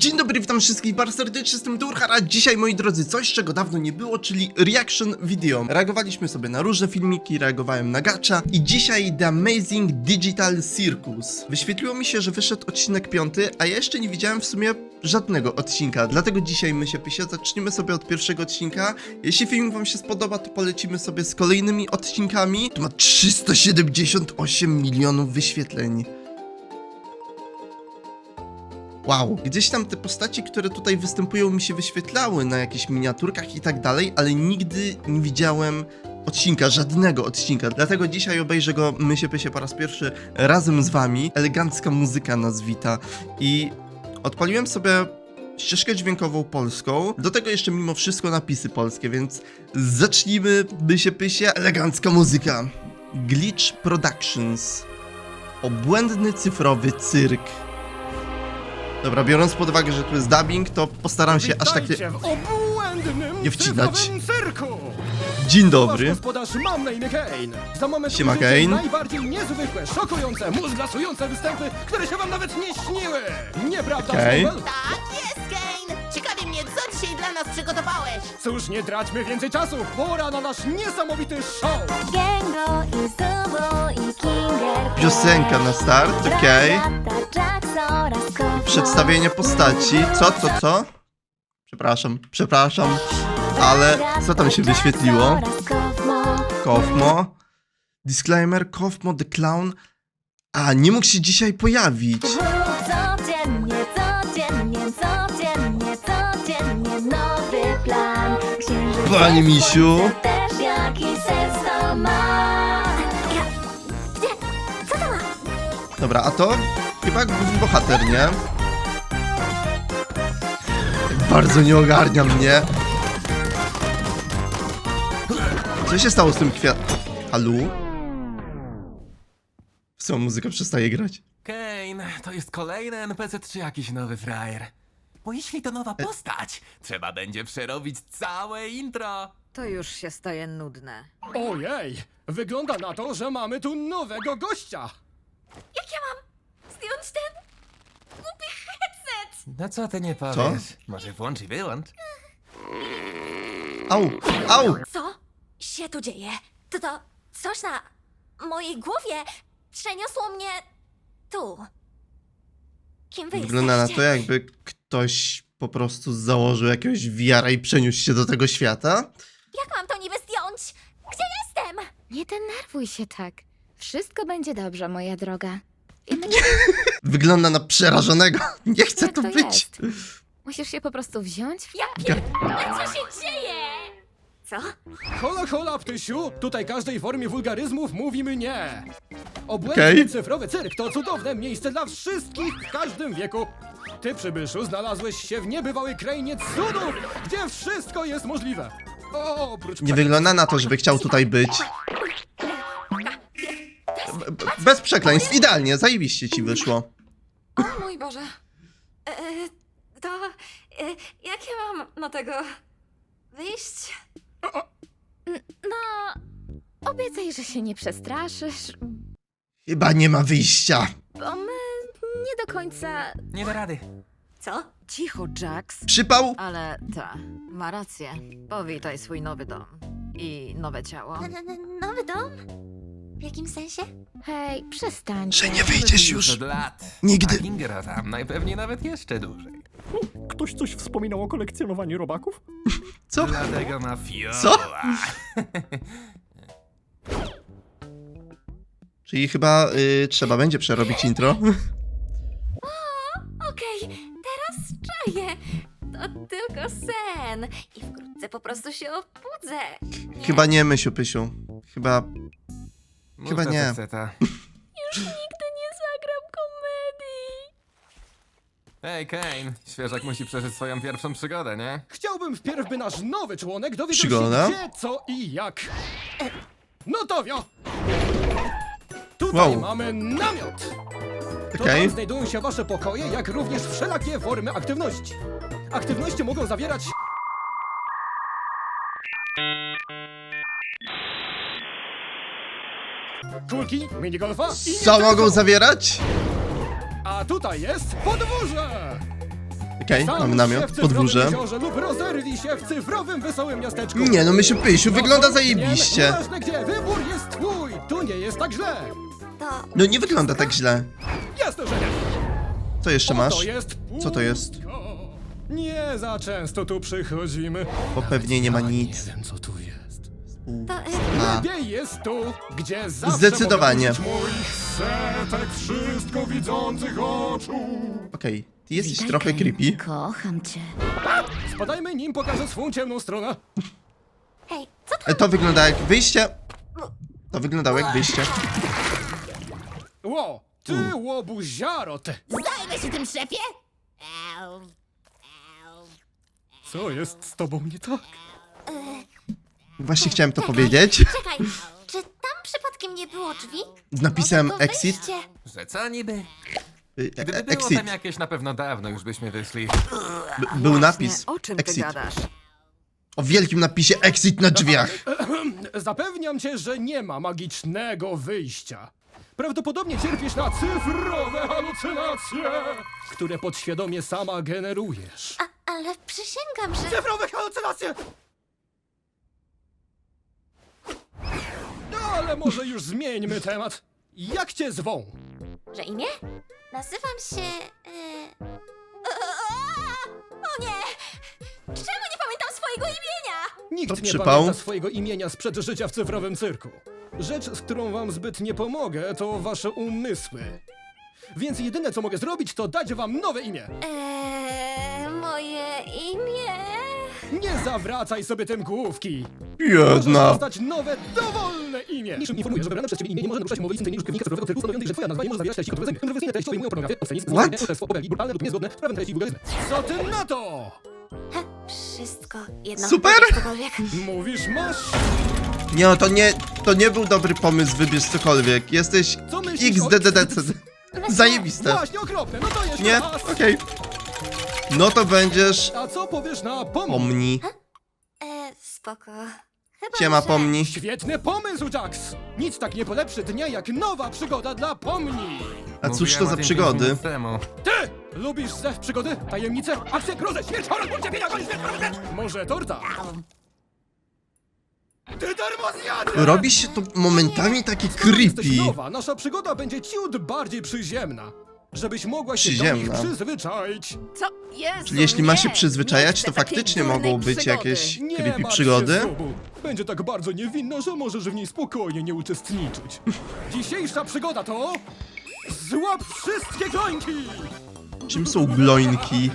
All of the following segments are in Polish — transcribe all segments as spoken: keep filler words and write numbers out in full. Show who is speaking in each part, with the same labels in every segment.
Speaker 1: Dzień dobry, witam wszystkich bardzo serdecznie, jestem Durhara. Dzisiaj, moi drodzy, coś czego dawno nie było, czyli reaction video. Reagowaliśmy sobie na różne filmiki, reagowałem na gacha i dzisiaj The Amazing Digital Circus. Wyświetliło mi się, że wyszedł odcinek piąty, a ja jeszcze nie widziałem w sumie żadnego odcinka, dlatego dzisiaj my się pysie, zaczniemy sobie od pierwszego odcinka. Jeśli film wam się spodoba, to polecimy sobie z kolejnymi odcinkami. Tu ma trzysta siedemdziesiąt osiem milionów wyświetleń. Wow, gdzieś tam te postaci, które tutaj występują, mi się wyświetlały na jakichś miniaturkach i tak dalej, ale nigdy nie widziałem odcinka, żadnego odcinka. Dlatego dzisiaj obejrzę go, my się pysie po raz pierwszy razem z wami. Elegancka muzyka nas wita i odpaliłem sobie ścieżkę dźwiękową polską, do tego jeszcze mimo wszystko napisy polskie, więc zacznijmy, my się pysie. Elegancka muzyka. Glitch Productions. Obłędny cyfrowy cyrk. Dobra, biorąc pod uwagę, że tu jest dubbing, to postaram się aż tak nie,
Speaker 2: w obłędnym
Speaker 1: nie wcinać.
Speaker 2: cyfrowym cyrku.
Speaker 1: Dzień
Speaker 2: Wasz
Speaker 1: dobry.
Speaker 2: gospodarz, mam na imię Kane. Za moment
Speaker 1: Siema,
Speaker 2: ujrzycie
Speaker 1: Kane.
Speaker 2: najbardziej niezwykłe, szokujące, mózglasujące występy, które się wam nawet nie śniły. Nieprawda,
Speaker 1: Okej.
Speaker 2: Snowball?
Speaker 3: Tak jest, Kane! Ciekawi mnie, co dzisiaj dla nas przygotowałeś?
Speaker 2: Cóż, nie traćmy więcej czasu. Pora na nasz niesamowity show.
Speaker 4: Gengo i Zubo i Kinger.
Speaker 1: Piosenka na start, okej. Przedstawienie postaci. Co, co, co? Przepraszam, przepraszam, ale co tam się wyświetliło? Kofmo. Disclaimer, Kofmo the Clown. A, nie mógł się dzisiaj pojawić.
Speaker 4: Codziennie, codziennie, codziennie, codziennie nowy plan. Księżyc
Speaker 1: Panie misiu.
Speaker 4: też jakiś sens to ma. Ja... Gdzie? Co to ma?
Speaker 1: Dobra, a to chyba główny bohater, nie? Bardzo nie ogarnia mnie. Co się stało z tym kwiat... Halu? Co, muzyka przestaje grać?
Speaker 5: Kane, to jest kolejny N P C czy jakiś nowy frajer? Bo jeśli to nowa postać, trzeba będzie przerobić całe intro.
Speaker 6: To już się staje nudne.
Speaker 2: Ojej, wygląda na to, że mamy tu nowego gościa.
Speaker 4: Jak ja mam zdjąć ten głupi headset?
Speaker 5: No co ty nie powiesz? Może włącz i wyłącz?
Speaker 1: Au, au!
Speaker 4: Co się tu dzieje? To to coś na mojej głowie przeniosło mnie tu. Kim wy
Speaker 1: Wygląda na
Speaker 4: jesteście?
Speaker 1: to, jakby ktoś po prostu założył jakiegoś V R i przeniósł się do tego świata.
Speaker 4: Jak mam to niby zdjąć? Gdzie jestem?
Speaker 7: Nie denerwuj się tak. Wszystko będzie dobrze, moja droga. I my
Speaker 1: Wygląda na przerażonego. Nie chcę
Speaker 7: jak
Speaker 1: tu
Speaker 7: to
Speaker 1: być.
Speaker 7: jest. Musisz się po prostu wziąć w...
Speaker 4: Ja pierdolę, co się dzieje? Co?
Speaker 2: Hola, hola, ptysiu! Tutaj każdej formie wulgaryzmów mówimy nie! Obłędny
Speaker 1: Okej.
Speaker 2: cyfrowy cyrk to cudowne miejsce dla wszystkich w każdym wieku. Ty, przybyszu, znalazłeś się w niebywałej krainie cudów, gdzie wszystko jest możliwe. O, oprócz
Speaker 1: Nie wygląda na to, żeby chciał tutaj być. B- b- Bez przekleństw, idealnie, zajebiście ci wyszło.
Speaker 6: O mój Boże.
Speaker 4: E, to e, jak ja mam na tego wyjść?
Speaker 7: No... Obiecaj, że się nie przestraszysz,
Speaker 1: Chyba nie ma wyjścia.
Speaker 7: bo my nie do końca...
Speaker 5: Nie da rady.
Speaker 4: Co?
Speaker 6: Cicho, Jax.
Speaker 1: Przypał?
Speaker 6: Ale ta, ma rację. Powitaj swój nowy dom. I nowe ciało.
Speaker 4: N- n- nowy dom? W jakim sensie?
Speaker 7: Hej, przestań.
Speaker 1: Że nie wyjdziesz już.
Speaker 5: Od lat.
Speaker 1: Nigdy.
Speaker 5: A Kingera tam najpewniej nawet jeszcze dłużej.
Speaker 2: Ktoś coś wspominał o kolekcjonowaniu robaków?
Speaker 1: Co?
Speaker 5: Dlatego ma fioła.
Speaker 1: Co? Czyli chyba y, trzeba będzie przerobić intro.
Speaker 4: Okej, teraz czaję. To tylko sen. I wkrótce po prostu się obudzę.
Speaker 1: Chyba nie, Mysiu Pysiu. Chyba...
Speaker 5: Mów
Speaker 1: Chyba
Speaker 5: to,
Speaker 1: nie.
Speaker 5: co chce ta.
Speaker 4: Nigdy nie zagram komedii.
Speaker 5: Ej, Kane, świeżak musi przeżyć swoją pierwszą przygodę, nie?
Speaker 2: Chciałbym wpierw, by nasz nowy członek dowiedział
Speaker 1: Przygoda?
Speaker 2: się gdzie, co i jak. No to wio! Tutaj
Speaker 1: Wow.
Speaker 2: mamy namiot! To
Speaker 1: Okej.
Speaker 2: tam znajdują się wasze pokoje, jak również wszelakie formy aktywności. Aktywności mogą zawierać... kulki, minigolfa i nie
Speaker 1: Co
Speaker 2: tylko.
Speaker 1: mogą zawierać?
Speaker 2: A tutaj jest podwórze!
Speaker 1: Okej,
Speaker 2: Zanurz
Speaker 1: mamy
Speaker 2: się
Speaker 1: namiot,
Speaker 2: w cyfrowym
Speaker 1: podwórze.
Speaker 2: jeziorze lub rozerwij się w cyfrowym wesołym miasteczku.
Speaker 1: Nie no, Mysiu Pysiu, wygląda
Speaker 2: No,
Speaker 1: zajebiście.
Speaker 2: Nie, nieważne gdzie, wybór jest twój. Tu nie jest tak źle.
Speaker 4: To
Speaker 1: No nie wygląda tak źle.
Speaker 2: Jasne, że nie.
Speaker 1: Co jeszcze
Speaker 2: Oto
Speaker 1: masz?
Speaker 2: jest
Speaker 1: Co to jest?
Speaker 2: pustka. Nie za często tu przychodzimy.
Speaker 1: Bo pewnie nie ma nic.
Speaker 2: Nie wiem, co tu jest.
Speaker 4: to y,
Speaker 1: A,
Speaker 2: Lepiej jest tu, gdzie zawsze
Speaker 1: Zdecydowanie.
Speaker 2: mogę użyć moich setek wszystko widzących oczu.
Speaker 1: okej. Ty jesteś trochę creepy.
Speaker 7: Kocham cię.
Speaker 2: Spadajmy, nim pokażę swą ciemną stronę.
Speaker 4: hej, co to?
Speaker 1: E, To wygląda jak wyjście. To wyglądało jak wyjście.
Speaker 2: Ło, ty łobuziaro, ty.
Speaker 3: Zajmę się tym, szefie! Au, au.
Speaker 2: Co jest z tobą nie tak?
Speaker 1: Właśnie chciałem to powiedzieć.
Speaker 4: Czekaj, czy tam przypadkiem nie było drzwi?
Speaker 1: Z napisem
Speaker 4: Może to
Speaker 1: exit.
Speaker 4: wyjście?
Speaker 5: Że co niby?
Speaker 1: Y,
Speaker 5: Gdyby
Speaker 1: e-
Speaker 5: było
Speaker 1: Exit.
Speaker 5: tam jakieś, na pewno dawno już byśmy wyszli.
Speaker 1: B- Był napis.
Speaker 6: O czym ty
Speaker 1: Exit.
Speaker 6: gadasz?
Speaker 1: O wielkim napisie exit na drzwiach.
Speaker 2: Zapewniam cię, że nie ma magicznego wyjścia. Prawdopodobnie cierpisz na cyfrowe halucynacje, które podświadomie sama generujesz.
Speaker 4: A, ale przysięgam, że...
Speaker 2: Cyfrowe halucynacje! No ale może już zmieńmy temat. Jak cię zwą?
Speaker 4: Że imię? Nazywam się... Y... O nie! Czemu nie pamiętam swojego imienia?
Speaker 2: Nikt
Speaker 1: To
Speaker 2: nie
Speaker 1: przypał.
Speaker 2: pamięta swojego imienia sprzed życia w cyfrowym cyrku. Rzecz, z którą wam zbyt nie pomogę, to wasze umysły. Więc jedyne, co mogę zrobić, to dać wam nowe imię.
Speaker 4: Eee, moje imię...
Speaker 2: Nie zawracaj sobie tym główki. Możesz
Speaker 1: Jedna.
Speaker 2: dostać nowe, dowolne imię. Niczym informuję, że wybrane przez ciebie imię nie może naruszać umowy istnienia użytkownika cyfrowego cyrku, stanowiącej, że twoja nazwa nie może zawierać treści kontrowersyjnych. Kontrowersyjne treści obejmują pornografię, obscenizm,
Speaker 1: What?
Speaker 2: oszustwo, obelgi, brutalne lub niezgodne z prawem treści i wulgaryzmy. Co ty na to?
Speaker 4: He, wszystko jedno.
Speaker 1: Super!
Speaker 4: Cokolwiek.
Speaker 2: Mówisz masz?
Speaker 1: Nie, no to nie, to nie był dobry pomysł, wybierz cokolwiek. Jesteś
Speaker 2: Co myślisz
Speaker 1: X
Speaker 2: o-
Speaker 1: D D D C. Zajebiste.
Speaker 2: Właśnie, okropne, no to jeszcze
Speaker 1: Nie?
Speaker 2: raz.
Speaker 1: Okej. No to będziesz
Speaker 2: A co powiesz na pomni?
Speaker 1: Pomni.
Speaker 4: E, spoko. Chyba,
Speaker 1: Siema
Speaker 4: że...
Speaker 1: Pomni.
Speaker 2: Świetny pomysł, Jax! Nic tak nie polepszy dnia jak nowa przygoda dla pomni!
Speaker 1: A cóż
Speaker 5: Mówiłem
Speaker 1: to
Speaker 5: o
Speaker 1: za
Speaker 5: tym
Speaker 1: przygody?
Speaker 5: pięć minut temu.
Speaker 2: Ty! Lubisz zew przygody, tajemnice, akcje, grozę, śmierć, horror, ból, cierpienia, koniec, śmierć, koniec, śmierć! Może torta? Ty darmozjadzie!
Speaker 1: Robi się to momentami takie
Speaker 2: Skoro jesteś
Speaker 1: creepy.
Speaker 2: nowa, nasza przygoda będzie ciut bardziej przyziemna. Żebyś mogła się do
Speaker 1: Przyziemna.
Speaker 2: nich przyzwyczaić.
Speaker 6: Co? Jezu,
Speaker 1: Czyli jeśli ma się
Speaker 6: nie!
Speaker 1: przyzwyczajać,
Speaker 6: Nie
Speaker 1: to
Speaker 6: chcę takiej
Speaker 1: faktycznie
Speaker 6: durnej
Speaker 1: mogą być
Speaker 6: przygody.
Speaker 1: jakieś
Speaker 2: Nie
Speaker 1: creepy
Speaker 2: martw
Speaker 1: przygody.
Speaker 2: Się, Zubu. Będzie tak bardzo niewinna, że możesz w niej spokojnie nie uczestniczyć. Dzisiejsza przygoda to... Złap wszystkie klońki!
Speaker 1: Czym są gloinki?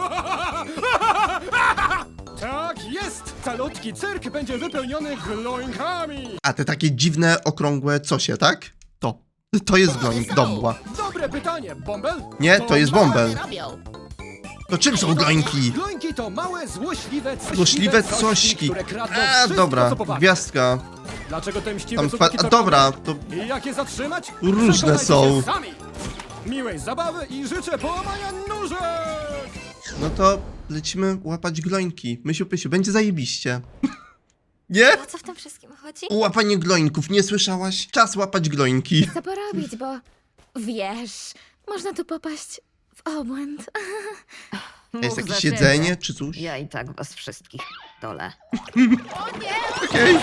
Speaker 2: Tak jest! Calutki cyrk będzie wypełniony gloinkami!
Speaker 1: A te takie dziwne, okrągłe cosie, tak? To. To jest gloink, dobła.
Speaker 2: Dobre pytanie, Bąbel?
Speaker 1: Nie, to jest
Speaker 3: Co one
Speaker 1: bąbel.
Speaker 3: robią?
Speaker 1: To czym są gloinki?
Speaker 2: Gloinki to małe, złośliwe, cośliwe,
Speaker 1: Złośliwe cośki.
Speaker 2: które kradną
Speaker 1: A,
Speaker 2: wszystko,
Speaker 1: dobra,
Speaker 2: co powarte.
Speaker 1: gwiazdka.
Speaker 2: Dlaczego te mściwe
Speaker 1: Tam
Speaker 2: cuduki
Speaker 1: fa-
Speaker 2: to
Speaker 1: dobra,
Speaker 2: robią?
Speaker 1: to
Speaker 2: I jak je zatrzymać?
Speaker 1: Różne
Speaker 2: Przekonajcie
Speaker 1: są.
Speaker 2: się sami. Miłej zabawy i życzę połamania nóżek!
Speaker 1: no to lecimy łapać gloinki. Mysiu Pysiu, będzie zajebiście. Nie?
Speaker 4: O co w tym wszystkim chodzi?
Speaker 1: Łapanie gloinków, nie słyszałaś? Czas łapać gloinki.
Speaker 7: Co porobić, bo wiesz, można tu popaść w obłęd.
Speaker 6: Mów
Speaker 1: Jest
Speaker 6: za
Speaker 1: jakieś
Speaker 6: siebie.
Speaker 1: jedzenie czy coś?
Speaker 6: Ja i tak was wszystkich dole.
Speaker 1: Okej.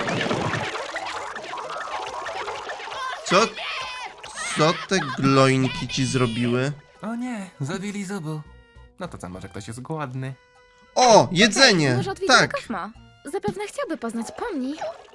Speaker 1: Co? Co te gloinki ci zrobiły?
Speaker 5: O nie, zabili Zubu. No to co, może ktoś jest głodny?
Speaker 1: O, jedzenie!
Speaker 7: Może odwiedzimy
Speaker 1: Tak.
Speaker 7: Kosmo. Zapewne chciałby poznać Pomni.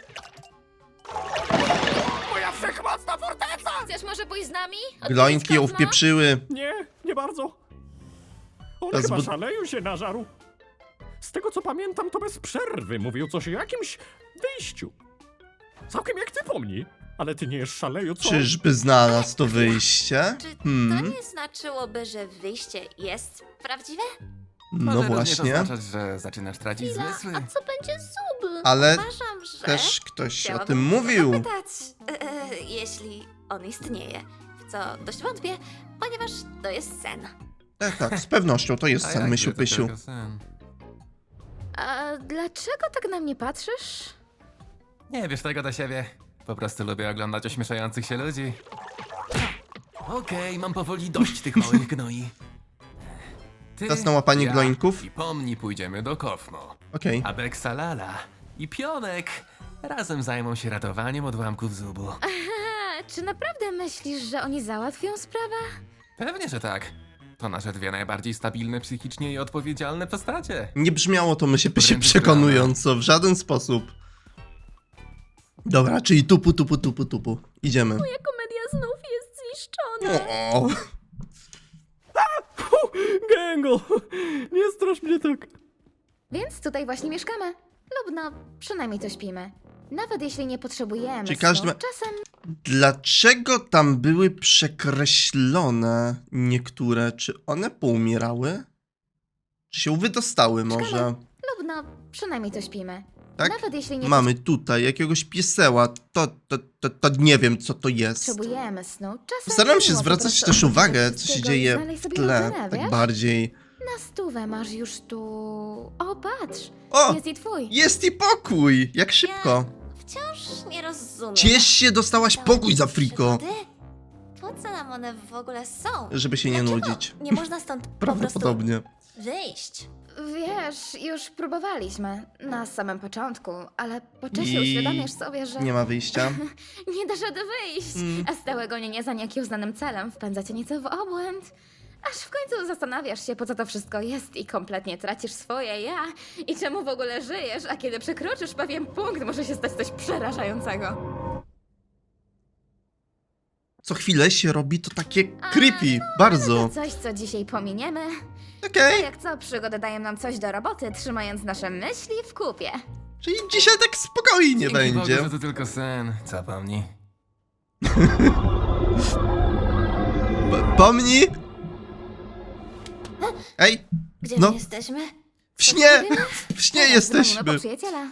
Speaker 2: Moja wszechmocna forteca!
Speaker 7: Chcesz może pójść z nami?
Speaker 1: Gloinki ją wpieprzyły.
Speaker 2: Nie, nie bardzo. On
Speaker 1: To
Speaker 2: chyba
Speaker 1: zbyt-
Speaker 2: szaleju się nażarł. Z tego co pamiętam, to bez przerwy mówił coś o jakimś wyjściu. Całkiem jak ty pomni. Ale ty nie jest szaleju, co?
Speaker 1: Czyżby znalazł to wyjście?
Speaker 4: Czy to
Speaker 1: Hmm,
Speaker 4: nie znaczyłoby, że wyjście jest prawdziwe?
Speaker 1: no
Speaker 5: Może
Speaker 1: właśnie.
Speaker 5: również oznaczać, że zaczynasz tracić zmysły.
Speaker 4: A co będzie zub?
Speaker 1: Ale
Speaker 4: Uważam, że...
Speaker 1: też ktoś o
Speaker 4: chciałabym
Speaker 1: tym mówił.
Speaker 4: zapytać, e, e, jeśli on istnieje. W co dość wątpię, ponieważ to jest sen.
Speaker 1: Tak, tak, z pewnością to jest
Speaker 5: A
Speaker 1: sen,
Speaker 5: jak
Speaker 1: Mysiu
Speaker 5: to
Speaker 1: Pysiu.
Speaker 5: tylko sen?
Speaker 7: A dlaczego tak na mnie patrzysz?
Speaker 5: Nie wiesz tego do siebie. Po prostu lubię oglądać ośmieszających się ludzi. Okej, mam powoli dość tych małych gnoi. Ty,
Speaker 1: Czas na łapanie
Speaker 5: ja
Speaker 1: gloinków.
Speaker 5: i Pomni pójdziemy do Kofmo.
Speaker 1: Okej.
Speaker 5: A Beksalala i Pionek razem zajmą się ratowaniem odłamków zubu.
Speaker 7: A, czy naprawdę myślisz, że oni załatwią sprawę?
Speaker 5: Pewnie, że tak. To nasze dwie najbardziej stabilne psychicznie i odpowiedzialne postacie.
Speaker 1: Nie bzmiało to my się, się
Speaker 5: Wręcz
Speaker 1: przekonująco, w żaden sposób. Dobra, czyli tupu, tupu, tupu, tupu. Idziemy.
Speaker 4: Komedia znów jest zniszczona.
Speaker 1: O,
Speaker 2: Gęgo, nie strasz mnie tak.
Speaker 7: Więc tutaj właśnie mieszkamy. Lub no, przynajmniej to śpimy. Nawet jeśli nie potrzebujemy
Speaker 1: Czy każdy
Speaker 7: snu,
Speaker 1: ma-
Speaker 7: czasem
Speaker 1: dlaczego tam były przekreślone niektóre? Czy one poumierały? Czy się wydostały może?
Speaker 7: lub no, przynajmniej to śpimy.
Speaker 1: Tak?
Speaker 7: Nawet jeśli nie
Speaker 1: Mamy tutaj jakiegoś pieseła. To, to, to, to nie wiem, co to jest.
Speaker 7: potrzebujemy snu, czasem
Speaker 1: Staram się
Speaker 7: miło po
Speaker 1: zwracać
Speaker 7: prostu
Speaker 1: też
Speaker 7: odpuścić
Speaker 1: uwagę,
Speaker 7: od
Speaker 1: co się
Speaker 7: wszystkiego
Speaker 1: dzieje
Speaker 7: i znaleźć
Speaker 1: w
Speaker 7: sobie
Speaker 1: tle,
Speaker 7: rutynę,
Speaker 1: tak
Speaker 7: wiesz?
Speaker 1: bardziej.
Speaker 7: Na stówę masz już tu... O, patrz!
Speaker 1: O!
Speaker 7: Jest i twój.
Speaker 1: Jest i pokój! Jak szybko!
Speaker 4: Wciąż nie rozumiem.
Speaker 1: Ciesz się, dostałaś
Speaker 4: Te
Speaker 1: pokój za friko!
Speaker 4: przygody? Po co nam one w ogóle są?
Speaker 1: Żeby się nie
Speaker 4: Dlaczego
Speaker 1: nudzić.
Speaker 4: nie można stąd po
Speaker 1: Prawdopodobnie.
Speaker 4: prostu wyjść?
Speaker 7: Wiesz, już próbowaliśmy. Na samym początku, ale po czasie
Speaker 1: I
Speaker 7: uświadamiasz sobie, że
Speaker 1: Nie ma wyjścia.
Speaker 7: nie dasz rady wyjść.
Speaker 1: Mm.
Speaker 7: A stałe gonienie za nieuznanym celem wpędza cię nieco w obłęd. Aż w końcu zastanawiasz się, po co to wszystko jest i kompletnie tracisz swoje ja i czemu w ogóle żyjesz, a kiedy przekroczysz pewien punkt, może się stać coś przerażającego.
Speaker 1: Co chwilę się robi to takie creepy. Bardzo.
Speaker 7: To coś, co dzisiaj pominiemy.
Speaker 1: Okej.
Speaker 7: Jak co, przygody dają nam coś do roboty, trzymając nasze myśli w kupie.
Speaker 1: Czyli dzisiaj tak spokojnie
Speaker 5: Dzięki
Speaker 1: będzie.
Speaker 5: Bogu, że to tylko sen. Co Pomni?
Speaker 1: P- Pomni! Ej,
Speaker 4: Gdzie
Speaker 1: No.
Speaker 4: my jesteśmy?
Speaker 1: w śnie! W śnie
Speaker 7: Dzwonimy
Speaker 1: jesteśmy.
Speaker 7: po przyjaciela.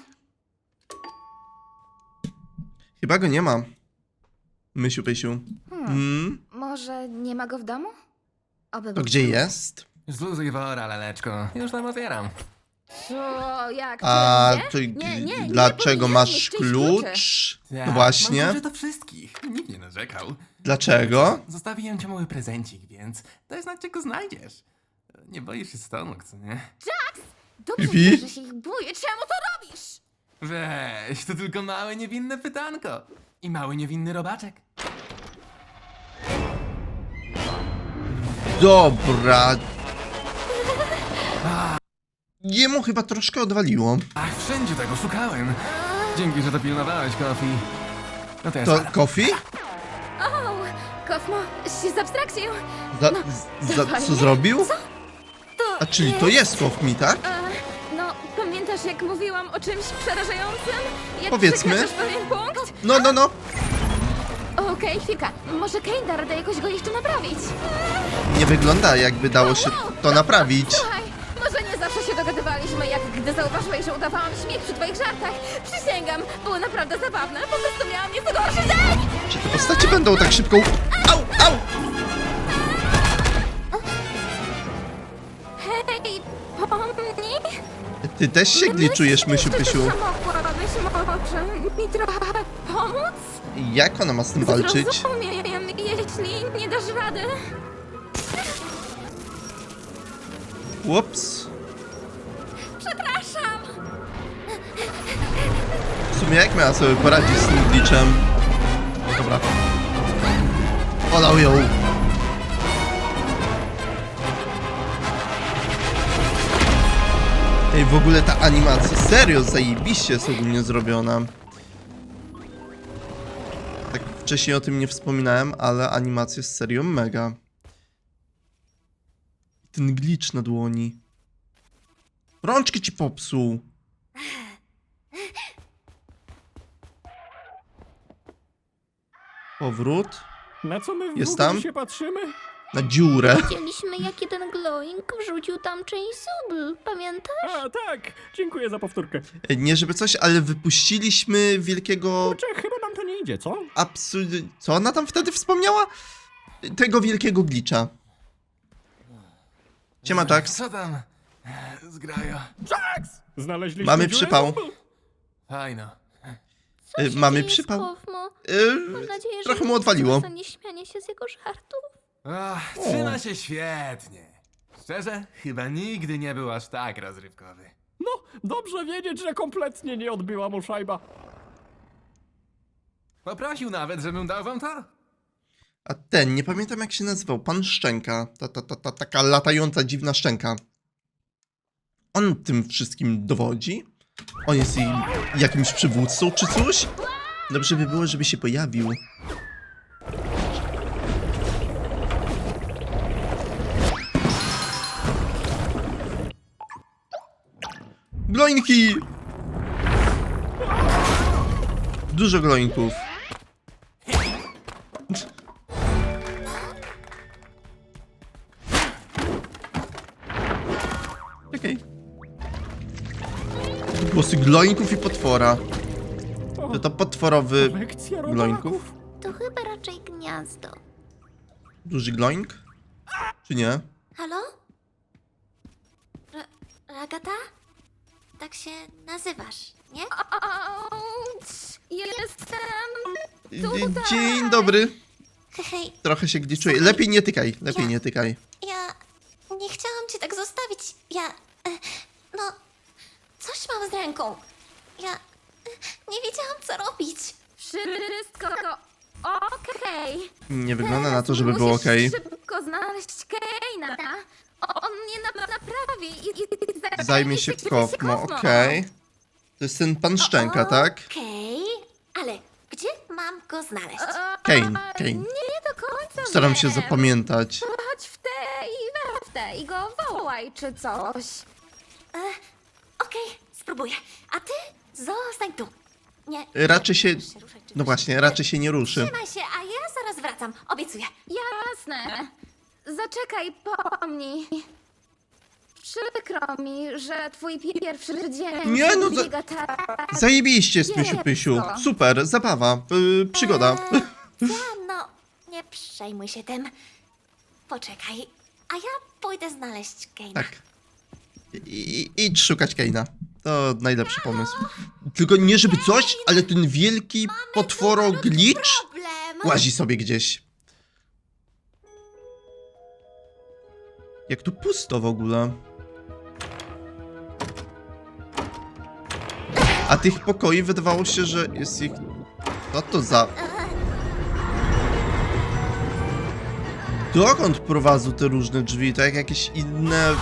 Speaker 1: Chyba go nie ma. Mysiu, Pysiu.
Speaker 7: Hmm.
Speaker 1: Hmm?
Speaker 7: Może nie ma go w domu? Oby
Speaker 1: To
Speaker 7: był
Speaker 1: gdzie
Speaker 7: tam.
Speaker 1: jest?
Speaker 5: Zluzuj wora, laleczko. Już tam otwieram.
Speaker 7: O, jak?
Speaker 1: A
Speaker 7: Gdzie?
Speaker 1: to
Speaker 7: Nie, nie, nie
Speaker 1: dlaczego
Speaker 7: powinieneś
Speaker 1: masz
Speaker 7: niszczyć
Speaker 1: klucz?
Speaker 5: Tak,
Speaker 1: No właśnie.
Speaker 5: Mam klucze do wszystkich. Nikt nie narzekał.
Speaker 1: Dlaczego?
Speaker 5: Zostawiłem ci mały prezencik, więc daj znać, gdzie go znajdziesz. Nie boisz się stonuk, co nie?
Speaker 7: Dobrze,
Speaker 1: Pipi?
Speaker 7: że się ich boję. Czemu to robisz?
Speaker 5: Weź, to tylko małe, niewinne pytanko. I mały, niewinny robaczek.
Speaker 1: Dobra. Jemu chyba troszkę odwaliło.
Speaker 5: Ach, wszędzie tego szukałem. Dzięki, że to pilnowałeś, Kofi. No to ja
Speaker 1: To
Speaker 5: spadam.
Speaker 1: Kofi?
Speaker 7: O, Kofmo, się zabstrakcił.
Speaker 1: Za,
Speaker 7: No,
Speaker 1: za, co
Speaker 7: dawaj.
Speaker 1: zrobił?
Speaker 7: To
Speaker 1: A czyli to jest Kofmi, tak?
Speaker 7: E, no, pamiętasz jak mówiłam o czymś przerażającym? Jak
Speaker 1: Powiedzmy.
Speaker 7: przekraczasz pewien punkt?
Speaker 1: No, no, no.
Speaker 7: Okej, chwilka. Może Kane da radę jakoś go jeszcze naprawić.
Speaker 1: Nie wygląda, jakby dało się to naprawić.
Speaker 7: Słuchaj, może nie zawsze się dogadywaliśmy, jak gdy zauważyłeś, że udawałam śmiech przy twoich żartach. Przysięgam, były naprawdę zabawne. Po prostu miałam nieco gorszy dzień.
Speaker 1: Czy te postacie będą tak szybko... Au, au!
Speaker 7: Hej, pomni?
Speaker 1: Ty też się gliczujesz, Mysiu, Pysiu.
Speaker 7: Mogłabyś może mi trochę pomóc?
Speaker 1: Jak ona ma z tym walczyć?
Speaker 7: Zrozumiem, jeśli nie dasz rady.
Speaker 1: Ups.
Speaker 7: Przepraszam.
Speaker 1: W sumie jak miała sobie poradzić z tym glitchem? Dobra. Olał ją. Ej, w ogóle ta animacja, serio, zajebiście jest ogólnie zrobiona. Tak wcześniej o tym nie wspominałem, ale animacja jest serio mega. Ten glitch na dłoni. Rączki ci popsuł. Powrót
Speaker 2: Na co my w
Speaker 1: Jest
Speaker 2: ogóle
Speaker 1: tam?
Speaker 2: się patrzymy?
Speaker 1: na dziurę.
Speaker 4: Widzieliśmy, jak jeden glowing wrzucił tam część zubl, pamiętasz?
Speaker 2: A, tak. Dziękuję za powtórkę.
Speaker 1: E, Nie żeby coś, ale wypuściliśmy wielkiego
Speaker 2: Kurczę, chyba nam to nie idzie, co?
Speaker 1: absurd... Co ona tam wtedy wspomniała? Tego wielkiego glitcha. Siema, Jax.
Speaker 5: Co tam? Zgrajo.
Speaker 2: Znaleźliśmy
Speaker 1: Mamy
Speaker 2: dziurę?
Speaker 1: przypał.
Speaker 5: Fajno.
Speaker 1: E, Mamy przypał. E,
Speaker 4: Mam nadzieję, że
Speaker 1: Trochę mu
Speaker 4: nie
Speaker 1: odwaliło.
Speaker 4: za nieśmianie się z jego żartów.
Speaker 5: Ach, trzyma się świetnie. Szczerze, chyba nigdy nie był aż tak rozrywkowy.
Speaker 2: No, dobrze wiedzieć, że kompletnie nie odbyła mu szajba.
Speaker 5: Poprosił nawet, żebym dał wam to.
Speaker 1: A ten, nie pamiętam jak się nazywał, pan Szczęka. Ta, ta, ta, ta taka latająca, dziwna szczęka. On tym wszystkim dowodzi? On jest jej jakimś przywódcą czy coś? Dobrze by było, żeby się pojawił. Gloinki! Dużo gloinków. Okej. Głosy gloinków i potwora. To to potworowy
Speaker 2: Lekcja
Speaker 1: gloinków?
Speaker 2: robaków.
Speaker 4: To chyba raczej gniazdo.
Speaker 1: Duży gloink? Czy nie?
Speaker 4: Halo? Ra- Ragata? Tak się nazywasz, nie? Jestem
Speaker 1: Dzie- Dzień dobry.
Speaker 4: Hej,
Speaker 1: Trochę się gdzie czuję. Lepiej nie tykaj, lepiej nie tykaj.
Speaker 4: ja nie chciałam cię tak zostawić. Ja, e, no, coś mam z ręką. Ja e, nie wiedziałam, co robić. Wszystko okej.
Speaker 1: Nie wygląda na to, żeby było ok.
Speaker 7: szybko znaleźć Keina. On mnie na naprawi i, i, i
Speaker 1: Zajmie się Kofmo, okej. To jest ten pan Szczęka, tak?
Speaker 4: Okej, ale gdzie mam go znaleźć?
Speaker 1: Kane, Kane.
Speaker 7: Nie do końca
Speaker 1: Staram się
Speaker 7: wiem.
Speaker 1: zapamiętać.
Speaker 7: Chodź w te i we w te i go wołaj czy coś.
Speaker 4: E, Okej, spróbuję. A ty zostań tu. Nie.
Speaker 1: Raczej się...
Speaker 4: Ruszaj, ruszaj, czy
Speaker 1: No
Speaker 4: coś.
Speaker 1: właśnie, raczej się nie ruszy.
Speaker 4: Trzymaj się, a ja zaraz wracam. Obiecuję.
Speaker 7: Jasne. Zaczekaj, pomnij. Przykro mi, że twój pierwszy dzień
Speaker 1: Nie, no za-
Speaker 7: biega tak.
Speaker 1: Zajebiście, Spysiu Pysiu. Super, zabawa, yy, przygoda.
Speaker 4: Eee, ja, no, nie przejmuj się tym. Poczekaj, a ja pójdę znaleźć Keina.
Speaker 1: Tak. I, i- idź szukać Keina. To najlepszy pomysł. Tylko nie żeby coś, ale ten wielki potworo glitch
Speaker 4: Problem.
Speaker 1: łazi sobie gdzieś. Jak tu pusto w ogóle. A tych pokoi wydawało się, że jest ich... Co to za... Dokąd prowadzą te różne drzwi? To jak jakieś inne...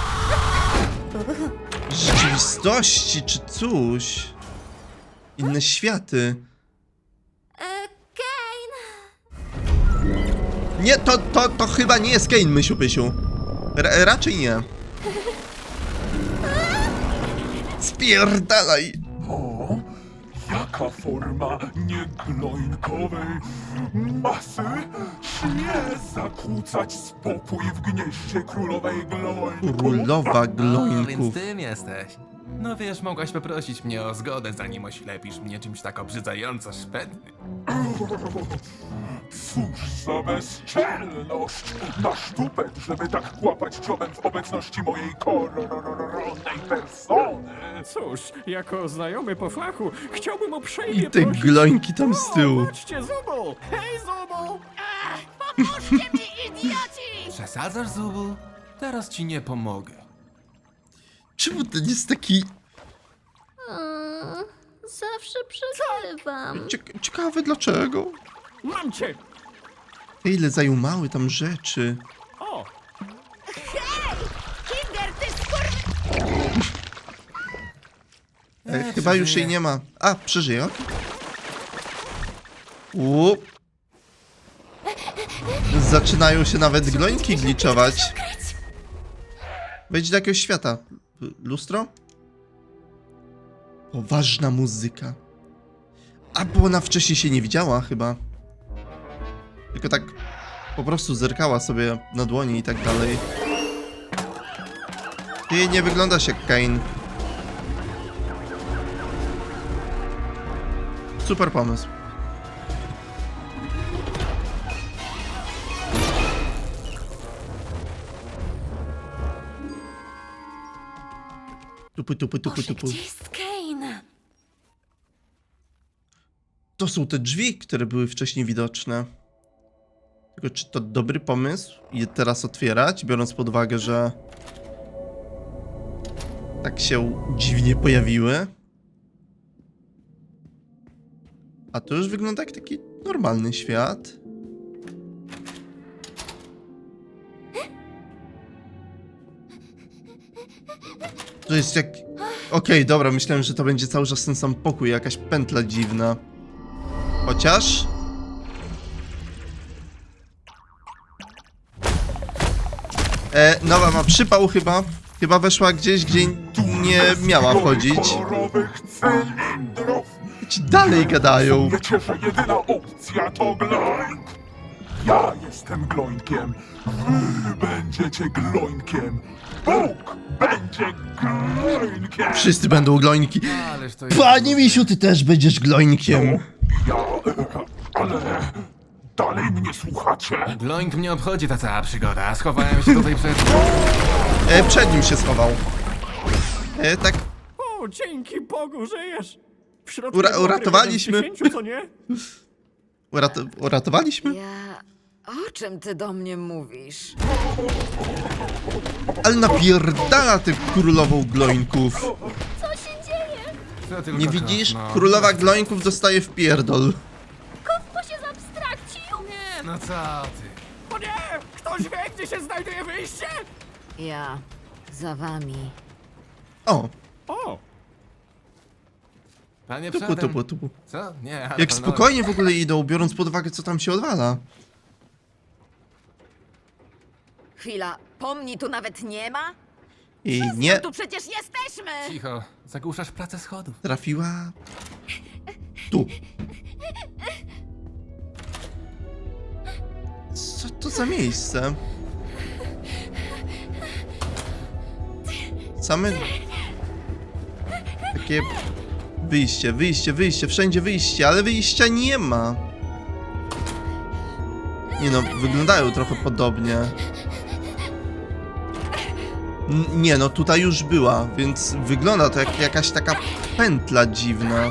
Speaker 1: rzeczywistości czy coś. Inne światy.
Speaker 4: E, Kane.
Speaker 1: Nie, to, to, to chyba nie jest Kane, Mysiu Pysiu. Ra raczej nie. Spierdalaj!
Speaker 8: O, jaka forma niegloinkowej masy śmie zakłócać spokój w gnieździe królowej gloinków?
Speaker 1: Królowa
Speaker 5: O, więc
Speaker 1: gloinków.
Speaker 5: tym jesteś. No wiesz, mogłaś poprosić mnie o zgodę, zanim oślepisz mnie czymś tak obrzydzająco szpetnym.
Speaker 8: Cóż za bezczelność! Masz tupet, żeby tak kłapać dziobem w obecności mojej koronnej persony!
Speaker 2: Cóż, jako znajomy po fachu, chciałbym uprzejmie
Speaker 1: I te
Speaker 2: prosić...
Speaker 1: gloinki tam z tyłu.
Speaker 2: O, patrzcie, Zubu! Hej, Zubu!
Speaker 5: Przesadzasz, Zubu? Teraz ci nie pomogę.
Speaker 1: Czemu ten jest taki...
Speaker 4: Mm, zawsze przegrywam.
Speaker 1: Cieka ciekawe dlaczego?
Speaker 2: Mam cię!
Speaker 1: Ile zajął mały tam rzeczy.
Speaker 2: O!
Speaker 1: E, chyba już jej nie ma. A, przeżyje, okej. Łup. Zaczynają się nawet gloinki gliczować. Wejdź do jakiegoś świata. L- Lustro? Poważna muzyka. A, bo ona wcześniej się nie widziała chyba. Tylko tak po prostu zerkała sobie na dłoni i tak dalej. Ty nie wyglądasz jak Kane. Super pomysł. Tupu, tupu, tupu,
Speaker 4: Boże,
Speaker 1: tupu.
Speaker 4: gdzie jest Kane?
Speaker 1: To są te drzwi, które były wcześniej widoczne. Tylko czy to dobry pomysł je teraz otwierać, biorąc pod uwagę, że tak się dziwnie pojawiły? A to już wygląda jak taki normalny świat. To jest jak... Okej, dobra, myślałem, że to będzie cały czas ten sam pokój, jakaś pętla dziwna. Chociaż... E, nowa ma przypał chyba. Chyba weszła gdzieś, gdzie nie miała wchodzić.
Speaker 8: kolorowych cylindrów.
Speaker 1: Ci dalej gadają.
Speaker 8: Mnie cieszy jedyna opcja to gloink. Ja jestem gloinkiem. Wy będziecie gloinkiem. Bóg będzie gloinkiem.
Speaker 1: Wszyscy będą glońki.
Speaker 5: Ależ to jest...
Speaker 1: Panie misiu, ty też będziesz glońkiem.
Speaker 8: Ja... ale... dalej mnie słuchacie?
Speaker 5: Gloink mnie obchodzi ta cała przygoda. Schowałem się tutaj przed...
Speaker 1: E, przed nim się schował. E, tak,
Speaker 9: O, dzięki Bogu, żyjesz! W środku
Speaker 1: Ura-
Speaker 9: dobrych
Speaker 1: uratowaliśmy.
Speaker 9: jeden z dziesięciu, co nie?
Speaker 1: urat uratowaliśmy?
Speaker 6: Ja... O czym ty do mnie mówisz?
Speaker 1: Ale napierdala ty królową glońków.
Speaker 5: Co tylko
Speaker 1: Nie
Speaker 5: to,
Speaker 1: widzisz?
Speaker 5: no.
Speaker 1: Królowa glońków dostaje w pierdol.
Speaker 4: Bo się zabstrakcił!
Speaker 5: Nie, no co ty?
Speaker 9: O nie! Ktoś wie, gdzie się znajduje wyjście?
Speaker 6: Ja... za wami.
Speaker 1: O,
Speaker 9: O!
Speaker 5: Panie
Speaker 1: tupu,
Speaker 5: przodem.
Speaker 1: tupu, tupu.
Speaker 5: Co? Nie, ale
Speaker 1: Jak
Speaker 5: pan-
Speaker 1: spokojnie w ogóle idą, biorąc pod uwagę, co tam się odwala.
Speaker 6: Chwila, pomni tu nawet nie ma?
Speaker 1: I nie
Speaker 6: Tu przecież jesteśmy!
Speaker 5: Cicho, zagłuszasz pracę schodów.
Speaker 1: trafiła... Tu. Co to za miejsce? Same... Takie... Wyjście, wyjście, wyjście, wszędzie wyjście, ale wyjścia nie ma. Nie no, wyglądają trochę podobnie. N nie no, tutaj już była, więc wygląda to jak jakaś taka pętla dziwna.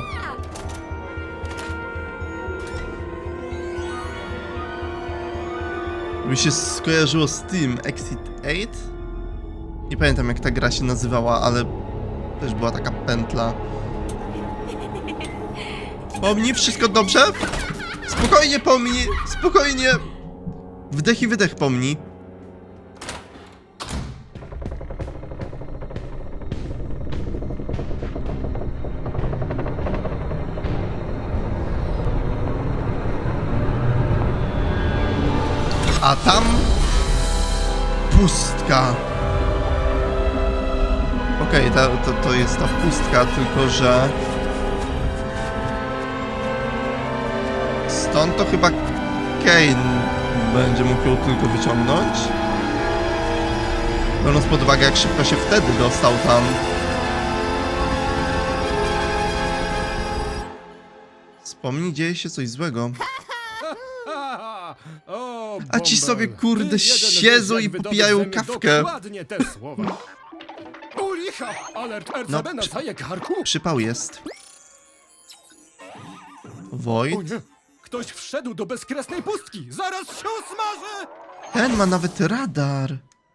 Speaker 1: Mi się skojarzyło z tym Exit osiem? Nie pamiętam jak ta gra się nazywała, ale też była taka pętla. Pomni, wszystko dobrze? Spokojnie pomni, spokojnie. Wdech i wydech pomni. A tam pustka. Okej, okay, to, to jest ta pustka, tylko że stąd to chyba Kane będzie mógł ją tylko wyciągnąć. Biorąc pod uwagę, jak szybko się wtedy dostał tam. Wspomnij, dzieje się coś złego.
Speaker 2: O,
Speaker 1: A ci
Speaker 2: Bąbel,
Speaker 1: sobie, kurde,
Speaker 2: ty jeden
Speaker 1: siedzą
Speaker 2: wiesz,
Speaker 1: i
Speaker 2: jak wydobyć
Speaker 1: popijają
Speaker 2: ze mnie
Speaker 1: kawkę.
Speaker 2: Dokładnie te słowa. U licha! Alert R C B
Speaker 1: No,
Speaker 2: na
Speaker 1: przy-
Speaker 2: caje karku!
Speaker 1: Przypał jest.
Speaker 2: O
Speaker 1: Void.
Speaker 2: nie! Ktoś wszedł do bezkresnej pustki! Zaraz się usmażę!
Speaker 1: Ten ma nawet radar.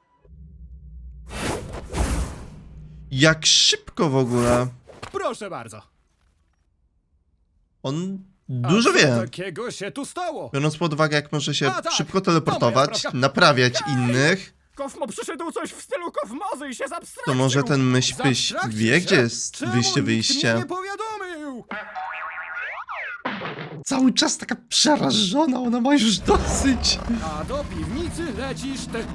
Speaker 1: Jak szybko w ogóle.
Speaker 2: Proszę bardzo.
Speaker 1: On
Speaker 2: A
Speaker 1: dużo
Speaker 2: co
Speaker 1: wie.
Speaker 2: takiego się tu stało?
Speaker 1: Biorąc pod uwagę, jak może się
Speaker 2: A, tak,
Speaker 1: szybko
Speaker 2: to moja
Speaker 1: teleportować,
Speaker 2: sprawka.
Speaker 1: naprawiać innych,
Speaker 9: Kofmo przyszedł coś w stylu kofmozy i się zabstrakcił!
Speaker 1: to może ten myślpyś
Speaker 2: Zabstrakcie
Speaker 1: wie,
Speaker 2: się?
Speaker 1: gdzie jest
Speaker 2: Czemu
Speaker 1: wyjście,
Speaker 2: nikt mnie
Speaker 1: wyjście.
Speaker 2: nie powiadomił?
Speaker 1: Cały czas taka przerażona, ona ma już dosyć.
Speaker 2: A do piwnicy lecisz ty.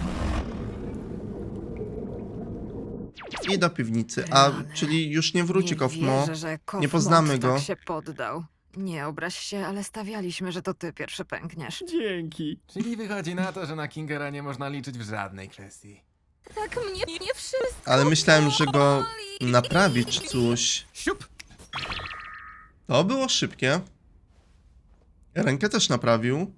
Speaker 1: I do piwnicy. A, czyli już nie wróci
Speaker 6: nie
Speaker 1: Kofmo.
Speaker 6: wierzę, że Kofmo
Speaker 1: Nie poznamy go.
Speaker 6: tak się poddał. Nie obraź się, ale stawialiśmy, że to ty pierwszy pękniesz.
Speaker 9: Dzięki.
Speaker 5: Czyli wychodzi na to, że na Kingera nie można liczyć w żadnej kwestii.
Speaker 4: Tak mnie nie wszystko
Speaker 1: Ale myślałem, że go
Speaker 4: boli.
Speaker 1: naprawi czy coś.
Speaker 2: Siup!
Speaker 1: To było szybkie. Rękę też naprawił.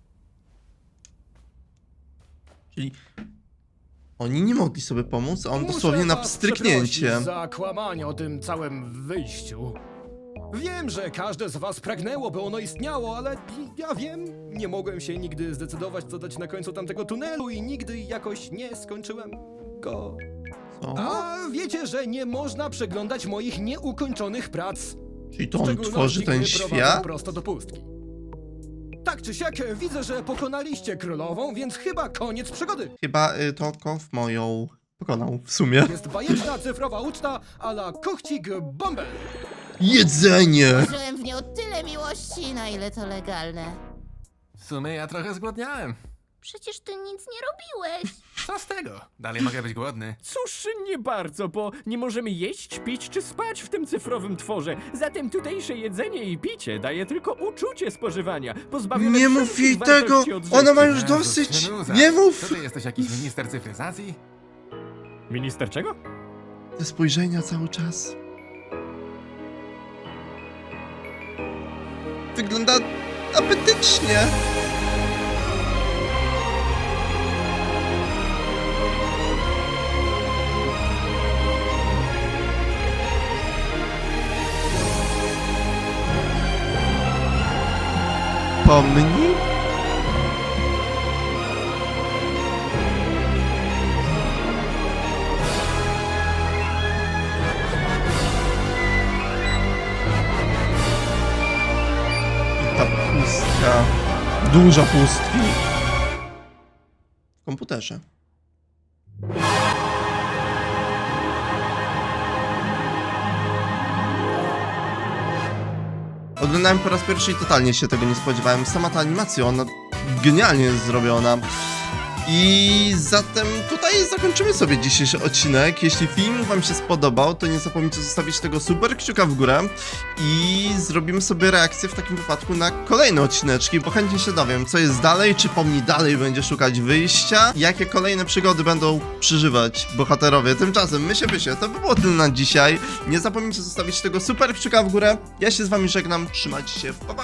Speaker 1: Czyli oni nie mogli sobie pomóc, a on
Speaker 2: Muszę
Speaker 1: dosłownie na
Speaker 2: was
Speaker 1: pstryknięcie.
Speaker 2: przeprosić za kłamanie o tym całym wyjściu. Wiem, że każde z was pragnęło, by ono istniało, ale ja wiem, nie mogłem się nigdy zdecydować, co dać na końcu tamtego tunelu i nigdy jakoś nie skończyłem go.
Speaker 1: Co?
Speaker 2: A wiecie, że nie można przeglądać moich nieukończonych prac.
Speaker 1: Czyli to
Speaker 2: W
Speaker 1: on
Speaker 2: szczególności,
Speaker 1: tworzy ten
Speaker 2: gdy prowadzą
Speaker 1: świat?
Speaker 2: prosto do pustki. Tak czy siak, widzę, że pokonaliście królową, więc chyba koniec przygody.
Speaker 1: Chyba y, to Kof moją pokonał w sumie.
Speaker 2: Jest bajeczna cyfrowa uczta a la Kochcik Bąbel.
Speaker 1: Jedzenie!
Speaker 3: Włożyłem w nią tyle miłości, na ile to legalne.
Speaker 5: W sumie ja trochę zgłodniałem.
Speaker 4: Przecież ty nic nie robiłeś.
Speaker 5: Co z tego? Dalej mogę być głodny.
Speaker 9: Cóż, nie bardzo, bo nie możemy jeść, pić czy spać w tym cyfrowym tworze. Zatem tutejsze jedzenie i picie daje tylko uczucie spożywania, pozbawione
Speaker 1: Nie mów
Speaker 9: wszelkich
Speaker 1: jej tego!
Speaker 9: wartości odżywczych.
Speaker 1: Ona ma już
Speaker 5: Jezus,
Speaker 1: dosyć!
Speaker 5: Synuza,
Speaker 1: Nie mów!
Speaker 5: Co ty jesteś jakiś minister cyfryzacji?
Speaker 9: Minister czego?
Speaker 1: Te spojrzenia cały czas. Wygląda apetycznie. Pomni? I ta pustka. Dużo pustki. W komputerze. Oglądałem po raz pierwszy i totalnie się tego nie spodziewałem. Sama ta animacja, ona genialnie jest zrobiona. I zatem tutaj zakończymy sobie dzisiejszy odcinek. Jeśli film wam się spodobał, to nie zapomnijcie zostawić tego super kciuka w górę i zrobimy sobie reakcję w takim wypadku na kolejne odcineczki, bo chętnie się dowiem, co jest dalej, czy Pomni dalej będzie szukać wyjścia, jakie kolejne przygody będą przeżywać bohaterowie. Tymczasem my się wysie, to by było tyle na dzisiaj. Nie zapomnijcie zostawić tego super kciuka w górę. Ja się z wami żegnam, trzymajcie się, pa pa!